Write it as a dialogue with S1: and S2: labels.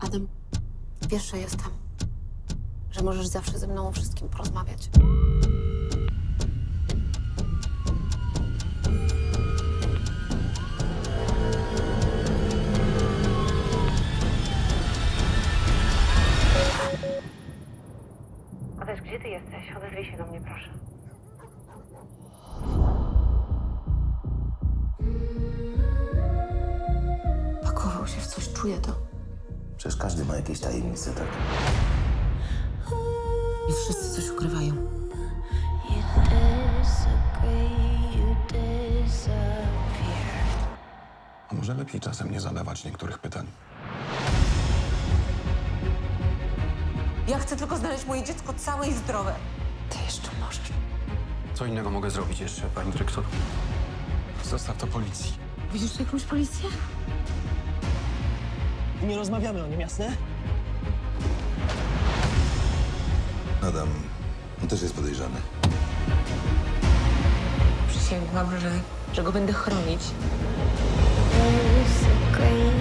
S1: Adam, wiesz, że jestem. Że możesz zawsze ze mną o wszystkim porozmawiać. Adaś, gdzie ty jesteś? Odezwij się do mnie, proszę. Pakował się w coś, czuję to.
S2: Przecież każdy ma jakieś tajemnice, tak?
S1: I wszyscy coś ukrywają.
S3: A może lepiej czasem nie zadawać niektórych pytań?
S1: Ja chcę tylko znaleźć moje dziecko całe i zdrowe. Ty jeszcze możesz.
S4: Co innego mogę zrobić jeszcze, pani dyrektor?
S3: Zostaw to policji.
S1: Widzisz tu jakąś policję?
S5: Nie rozmawiamy o nim, jasne?
S2: Adam, on też jest podejrzany.
S1: Przysięgłam, że go będę chronić.
S6: There's a great